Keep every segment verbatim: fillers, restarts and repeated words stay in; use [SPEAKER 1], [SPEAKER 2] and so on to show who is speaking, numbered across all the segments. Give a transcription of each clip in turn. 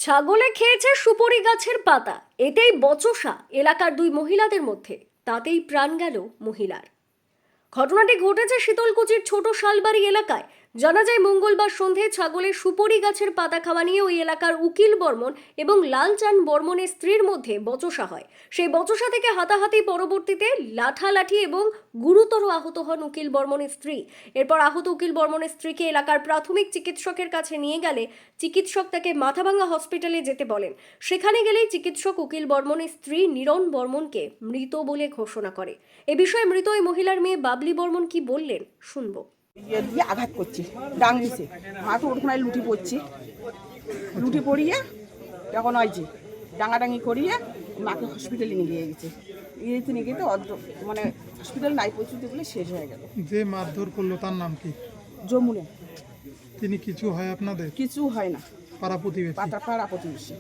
[SPEAKER 1] ছাগলে খেয়েছে সুপারি গাছের পাতা, এতেই বচসা এলাকার দুই মহিলাদের মধ্যে, তাতেই প্রাণ গেল মহিলার। ঘটনাটি ঘটেছে শীতলকুচির ছোট শালবাড়ি এলাকায়। জানা যায় মঙ্গলবার সন্ধে ছাগলের সুপারি গাছের পাতা খাওয়া নিয়ে ওই এলাকার উকিল বর্মন এবং লালচাঁদ বর্মনের স্ত্রীর মধ্যে বচসা হয়। সেই বচসা থেকে হাতাহাতি, পরবর্তীতে লাঠালাঠি এবং গুরুতর আহত হন উকিল বর্মনের স্ত্রী। এরপর আহত উকিল বর্মনের স্ত্রীকে এলাকার প্রাথমিক চিকিৎসকের কাছে নিয়ে গেলে চিকিৎসক তাকে মাথাভাঙ্গা হসপিটালে যেতে বলেন। সেখানে গেলেই চিকিৎসক উকিল বর্মনের স্ত্রী নীরণ বর্মনকে মৃত বলে ঘোষণা করে। এ বিষয়ে মৃত ওই মহিলার মেয়ে বাবলি বর্মন কি বললেন শুনবো।
[SPEAKER 2] ইয়ে দিয়ে আঘাত করছে, ডাং দিছে, মাথা ওখানে লুটি পড়ছে, লুটি পড়িয়ে তখন হয়েছে ডাঙাডাঙি করিয়ে মাকে হসপিটালে নিয়ে গিয়ে গেছে। ইয়েতে নিয়ে গিয়ে অর্ধ মানে হসপিটাল নাই পৌঁছতে বলে শেষ হয়ে গেল।
[SPEAKER 3] যে মারধর করলো তার নাম কি?
[SPEAKER 2] যমুনা।
[SPEAKER 3] তিনি কিছু হয় আপনাদের?
[SPEAKER 2] কিছু হয় না,
[SPEAKER 3] পাড়া প্রতিবেশী?
[SPEAKER 2] পাতা পাড়া প্রতিবেশী।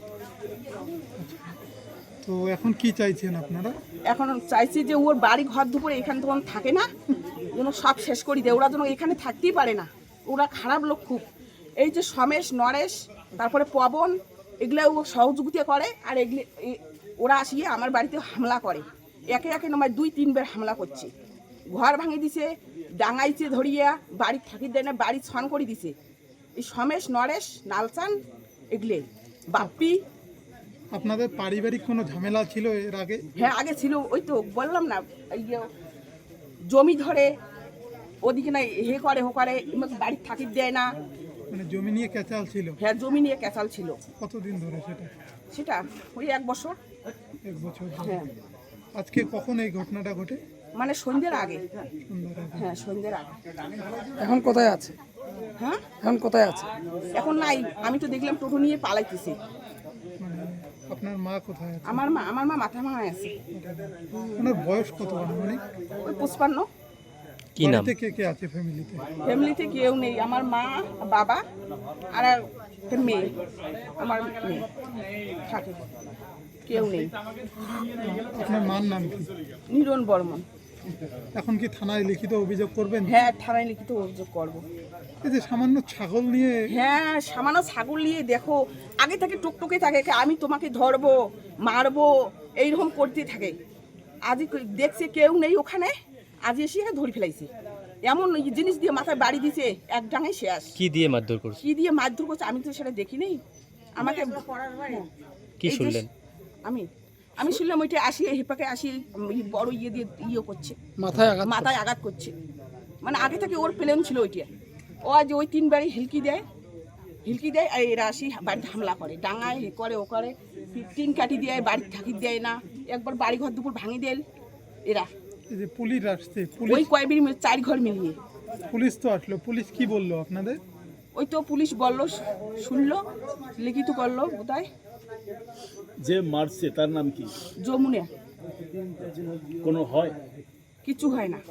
[SPEAKER 3] তো এখন কি চাইছেন আপনারা?
[SPEAKER 2] এখন চাইছি যে ওর বাড়ি ঘর দুপুরে এখানে তখন থাকে না, যেন সব শেষ করি দেয়। ওরা যেন এখানে থাকতেই পারে না, ওরা খারাপ লোক খুব। এই যে সমেশ, নরেশ, তারপরে পবন, এগুলো ও সহযোগিতা করে। আর এগুলো ওরা আসিয়ে আমার বাড়িতে হামলা করে, একে একে নয় দুই তিনবার হামলা করছে। ঘর ভাঙে দিছে, ডাঙাইছে ধরিয়া, বাড়ি থাকি দেয় না, বাড়ি ছন করে দিছে। এই সমেশ, নরেশ, লালচাঁদ, এগুলো বাপ্পি।
[SPEAKER 3] আপনাদের পারিবারিক কোনো ঝামেলা ছিল এর আগে?
[SPEAKER 2] হ্যাঁ, আগে ছিল। ওই তো বললাম না, ইয়ে জমি ধরে ওদিকে না হে করে হো করে, বাড়ি থাকি দেয় না।
[SPEAKER 3] মানে জমি নিয়ে ক্যাচাল ছিল?
[SPEAKER 2] হ্যাঁ, জমি নিয়ে ক্যাচাল ছিল।
[SPEAKER 3] কতদিন ধরে সেটা?
[SPEAKER 2] সেটা ওই এক বছর।
[SPEAKER 3] এক বছর ধরে।
[SPEAKER 2] হ্যাঁ।
[SPEAKER 3] আজকে কখন এই ঘটনাটা ঘটে?
[SPEAKER 2] মানে সন্ধ্যের আগে।
[SPEAKER 3] সন্ধ্যার আগে।
[SPEAKER 2] হ্যাঁ, সন্ধ্যের আগে।
[SPEAKER 4] এখন কোথায় আছে?
[SPEAKER 2] হ্যাঁ,
[SPEAKER 4] এখন কোথায় আছে?
[SPEAKER 2] এখন নাই। আমি তো দেখলাম টোটো নিয়ে পালাইতেছে।
[SPEAKER 3] মানে আপনার মা কোথায় আছে?
[SPEAKER 2] আমার মা আমার মা মাথা ভাঙায় আছে।
[SPEAKER 3] ওনার বয়স কত মানে?
[SPEAKER 2] ওই পঁচপান্ন।
[SPEAKER 5] কি নাম?
[SPEAKER 3] বাড়িতে কে কে আছে ফ্যামিলিতে?
[SPEAKER 2] ফ্যামিলিতে কেউ নেই, আমার মা, বাবা আর একটা মেয়ে। আমার মেয়ে থাকে, কেউ নেই।
[SPEAKER 3] আপনার মার নাম কি?
[SPEAKER 2] নীরণ বর্মন।
[SPEAKER 3] এখন কি থানায় লিখিত অভিযোগ করবেন?
[SPEAKER 2] হ্যাঁ, থানায় লিখিত অভিযোগ করবো।
[SPEAKER 3] এই যে সামান্য ছাগল নিয়ে?
[SPEAKER 2] হ্যাঁ, সামান্য ছাগল নিয়ে দেখো আগে থেকে টুকটুকে থাকে, আমি তোমাকে ধরবো মারবো এইরকম করতে থাকে। আজ দেখছে কেউ নেই ওখানে, আজ এসে ধরে ফেলাইছে। এমন জিনিস দিয়ে মাথায় বাড়ি দিছে, এক ডাঙে শেষ।
[SPEAKER 5] কি দিয়ে মারধর করছে?
[SPEAKER 2] কি দিয়ে মারধর করছে আমি তো সেটা দেখি নেই। আমাকে
[SPEAKER 5] কি শুনলেন?
[SPEAKER 2] আমি আমি শুনলাম ওইটা আসি হেপাকে আসি বড় ইয়ে দিয়ে ইয়ে করছে,
[SPEAKER 4] মাথায় আঘাত?
[SPEAKER 2] মাথায় আঘাত করছে। মানে আগে থেকে ওর প্লেন ছিল ওইটা। ও আজ ওই তিনবারই হিলকি দেয়, হিলকি দেয় আর এরা আসি বাড়িতে হামলা করে, ডাঙায় এ করে ও করে, টিন কাটি দেয়, বাড়ি থাকি দেয় না। একবার বাড়ি ঘর দুপুর ভাঙি দেয় এরা।
[SPEAKER 3] এই যে পুলিশ আসছে,
[SPEAKER 2] ওই
[SPEAKER 3] পুলিশ
[SPEAKER 2] কয়েকদিন চার ঘর মিলিয়ে
[SPEAKER 3] পুলিশ তো আসলো, পুলিশ কি বললো আপনাদের?
[SPEAKER 2] ওই তো পুলিশ বললো, শুনলো, লিখিত করলো বোধহয়।
[SPEAKER 6] যে মারছে তার নাম কি?
[SPEAKER 2] যমুনা।
[SPEAKER 6] কোনো হয়?
[SPEAKER 2] কিছু হয় না।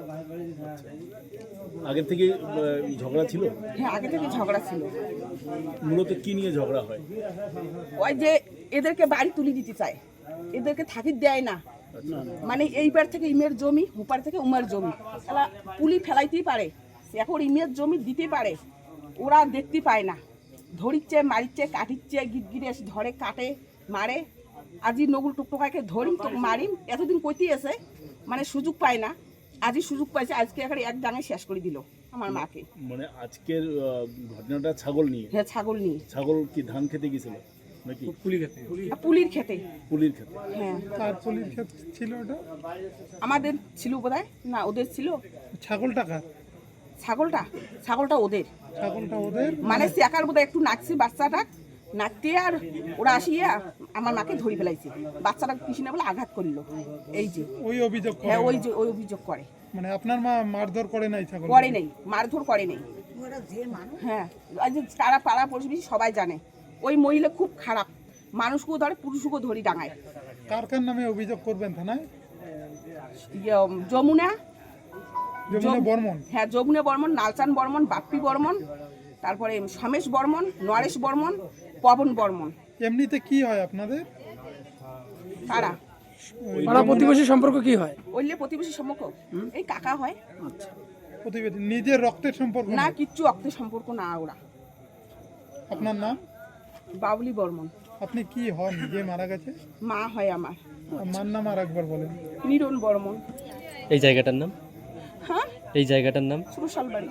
[SPEAKER 6] আগে থেকে আহ, ঝগড়া ছিল?
[SPEAKER 2] হ্যাঁ, আগে থেকে ঝগড়া ছিল।
[SPEAKER 6] মূলত কি নিয়ে ঝগড়া হয়?
[SPEAKER 2] ওই যে এদেরকে বাড়ি তুলে দিতে চায়, এদেরকে থাকি দেয় না। মানে এইবার থেকে ইমের জমি, হুপার থেকে উমার জমি, তাহলে পুলি ফেলাইতেই পারে, এখন ইমের জমি দিতে পারে। ওরা দেখতে পায় না, ধরিচ্ছে, মারিচ্ছে, কাটিচ্ছে, গিটগিরে এসে ধরে, কাটে, মারে। আজি নগুল টুকটুকাকে ধরিম তো মারিম, এতদিন কইতে এসে মানে সুযোগ পায় না। আজই সুযোগ পাইছে, আজকে এখানে এক ডাঙে শেষ করে দিল আমার মাকে।
[SPEAKER 6] মানে আজকের আহ, ঘটনাটা ছাগল নিয়ে?
[SPEAKER 2] হ্যাঁ, ছাগল নিয়ে।
[SPEAKER 6] ছাগল কি ধান খেতে গেছিল নাকি?
[SPEAKER 2] পুলির খেতে।
[SPEAKER 6] পুলির খেতে?
[SPEAKER 2] হ্যাঁ।
[SPEAKER 3] তার পুলিশ ক্ষেত ছিল ওটা?
[SPEAKER 2] আমাদের ছিল বোধহয়, না ওদের ছিল।
[SPEAKER 3] ছাগলটা কার?
[SPEAKER 2] ছাগলটা ছাগলটা ওদের।
[SPEAKER 3] ছাগলটা ওদের?
[SPEAKER 2] মানে চেকার বোধহয় একটু নাচছে বাচ্চাটা, নাচতে আর ওরা আসিয়া আমার মাকে ধরে ফেলাইছে। বাচ্চাটা কিছু না বলে আঘাত করলো। এই যে
[SPEAKER 3] ওই অভিযোগ করে?
[SPEAKER 2] হ্যাঁ, ওই যে ওই অভিযোগ করে।
[SPEAKER 3] মানে আপনার মা মারধর করে নাই ছাগল?
[SPEAKER 2] করে নেই, মারধর করে নেই। হ্যাঁ, আজ তারা পাড়া প্রতিবেশী সবাই জানে ওই মহিলা খুব খারাপ, মানুষকেও ধরে, পুরুষকেও ধরি ডাঙায়।
[SPEAKER 3] কার কার নামে অভিযোগ করবেন থানায়?
[SPEAKER 2] ইয়ে, যমুনা।
[SPEAKER 3] যমুনা বর্মন?
[SPEAKER 2] হ্যাঁ, যমুনা বর্মন, লালচাঁদ বর্মন, বাপ্পি বর্মন, তারপরে সমেশ বর্মন, নরেশ বর্মন, পবন বর্মন।
[SPEAKER 3] এমনিতে কি হয় আপনাদের?
[SPEAKER 2] কারা?
[SPEAKER 3] ওই
[SPEAKER 4] পাড়া প্রতিবেশী সম্পর্ক কি হয়?
[SPEAKER 2] ওইলে প্রতিবেশী সম্পর্ক এই কাকা হয়।
[SPEAKER 3] প্রতিবেশী নিজের রক্তের সম্পর্ক
[SPEAKER 2] না,
[SPEAKER 3] না?
[SPEAKER 2] কিচ্ছু রক্তের সম্পর্ক না। ওরা।
[SPEAKER 3] আপনার নাম?
[SPEAKER 2] বাবলি বর্মন।
[SPEAKER 3] আপনি কি হন যে মারা গেছে?
[SPEAKER 2] মা হয় আমার,
[SPEAKER 3] মার নাম আর একবার বলেন।
[SPEAKER 2] নিরন বর্মন।
[SPEAKER 5] এই জায়গাটার নাম?
[SPEAKER 2] হ্যাঁ,
[SPEAKER 5] এই জায়গাটার নাম?
[SPEAKER 2] সুরশালবাড়ি।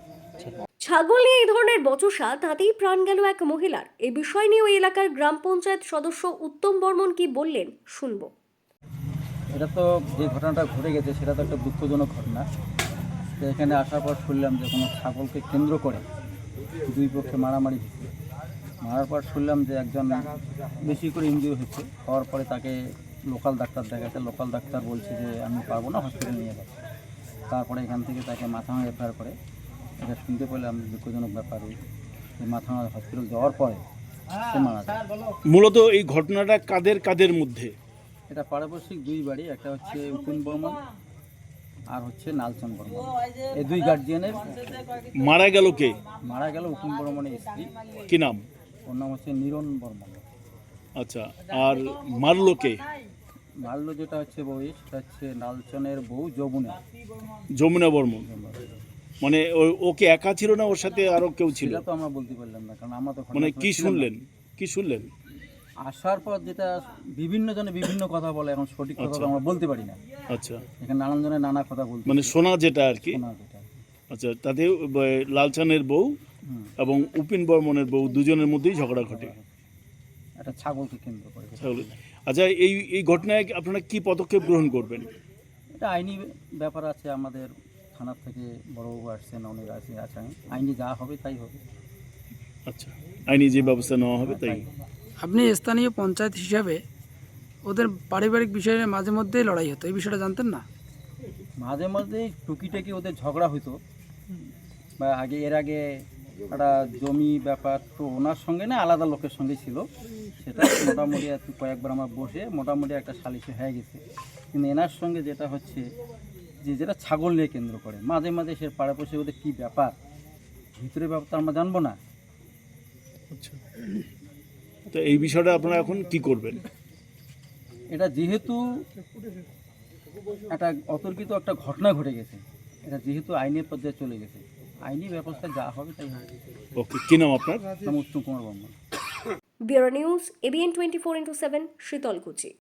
[SPEAKER 1] ছাগল নিয়ে এই ধরনের বচসা, তাতেই প্রাণ গেল এক মহিলার। এই বিষয় নিয়ে ওই এলাকার গ্রাম পঞ্চায়েত সদস্য উত্তম বর্মন কি বললেন শুনবো।
[SPEAKER 7] এটা তো যে ঘটনাটা ঘটে গেছে সেটা তো একটা দুঃখজনক ঘটনা। তো এখানে আসার পর শুনলাম যে কোনো ছাগলকে কেন্দ্র করে দুই পক্ষে মারামারি হয়েছে। মারার পর শুনলাম যে একজন বেশি করে ইনজিওর হচ্ছে, হওয়ার পরে তাকে লোকাল ডাক্তার দেখাচ্ছে। লোকাল ডাক্তার বলছে যে আমি পারবো না, হসপিটালে নিয়ে যাচ্ছে। তারপরে এখান থেকে তাকে মাথাভাঙা রেফার করে। এটা শুনতে পেলাম দুঃখজনক ব্যাপার, যে মাথাভাঙা হসপিটাল যাওয়ার পরে সে মারা যায়।
[SPEAKER 6] মূলত এই ঘটনাটা কাদের কাদের মধ্যে?
[SPEAKER 7] এটা পারিপার্শ্বিক দুই বাড়ি, একটা হচ্ছে উকুন বর্মন আর হচ্ছে নালচন বর্মন। এই দুই গার্জিয়ানের।
[SPEAKER 6] মারা গেল কে?
[SPEAKER 7] মারা গেল উকুন বর্মনের স্ত্রী,
[SPEAKER 6] কি নাম?
[SPEAKER 7] ওর নাম হচ্ছে নিরন বর্মন।
[SPEAKER 6] আচ্ছা, আর মারলো কে?
[SPEAKER 7] মারলো যেটা হচ্ছে বউ, সেটা হচ্ছে নালচনের বউ যমুনা।
[SPEAKER 6] যমুনা বর্মন। মানে ও- ওকে একা ছিল না, ওর সাথে আরো কেউ ছিল?
[SPEAKER 7] সেটা তো আমরা বলতে পারলাম না, কারণ আমরা তো
[SPEAKER 6] মানে
[SPEAKER 7] ঘটনাস্থলে
[SPEAKER 6] কি
[SPEAKER 7] ছিলাম না।
[SPEAKER 6] শুনলেন? কি শুনলেন?
[SPEAKER 7] আসার পর যেটা বিভিন্ন জনে বিভিন্ন কথা বলে, এখন সঠিক কথা তো
[SPEAKER 6] আচ্ছা।
[SPEAKER 7] আমরা বলতে পারি না।
[SPEAKER 6] আচ্ছা,
[SPEAKER 7] এখানে নানান জনের নানা কথা বলতে
[SPEAKER 6] মানে শোনা যেটা আর কি।
[SPEAKER 7] শোনা যেটা।
[SPEAKER 6] আচ্ছা, তাতে ব- লালচানের বউ
[SPEAKER 7] হুম।
[SPEAKER 6] এবং উপিন বর্মনের বউ দুজনের মধ্যেই ঝগড়া ঘটে।
[SPEAKER 7] একটা ছাগলকে কেন্দ্র করে।
[SPEAKER 6] তাহলে আচ্ছা, এই এই ঘটনায় আপনারা কি পদক্ষেপ গ্রহণ করবেন?
[SPEAKER 7] এটা আইনি ব্যাপার আছে, আমাদের থানার থেকে বড়বাবু আসছেন, অনেক আছে আছেন, আইনি যা হবে তাই হবে।
[SPEAKER 6] আচ্ছা, আইনি যে ব্যবস্থা নেওয়া হবে তাই।
[SPEAKER 4] আপনি স্থানীয় পঞ্চায়েত হিসাবে ওদের পারিবারিক বিষয়ে মাঝে মধ্যেই লড়াই হতো, এই বিষয়টা জানতেন না?
[SPEAKER 7] মাঝে মাঝে টুকিটাকি ওদের ঝগড়া হইতো, বা আগে এর আগে একটা জমি ব্যাপার, তো ওনার সঙ্গে না আলাদা লোকের সঙ্গে ছিল। সেটা মোটামুটি একটু কয়েকবার আমার বসে মোটামুটি একটা সালিশে হয়ে গেছে। কিন্তু এনার সঙ্গে যেটা হচ্ছে যে যেটা ছাগল নিয়ে কেন্দ্র করে, মাঝে মাঝে সে পাড়াপড়শি ওদের কী ব্যাপার, ভিতরে ব্যাপার তো আমরা জানবো না।
[SPEAKER 6] আচ্ছা, তো এই বিষয়টা আপনারা এখন কি করবেন?
[SPEAKER 7] এটা যেহেতু একটা অতর্কিত একটা ঘটনা ঘটে গেছে, এটা যেহেতু আইনের পর্যায়ে চলে গেছে, আইনি ব্যবস্থা যা হবে তাই হবে।
[SPEAKER 6] ওকে, কি নাম আপনার?
[SPEAKER 7] নাম Uttam Kumar Barman.
[SPEAKER 1] Bureau news, ABN twenty four into seven, Sitalkuchi.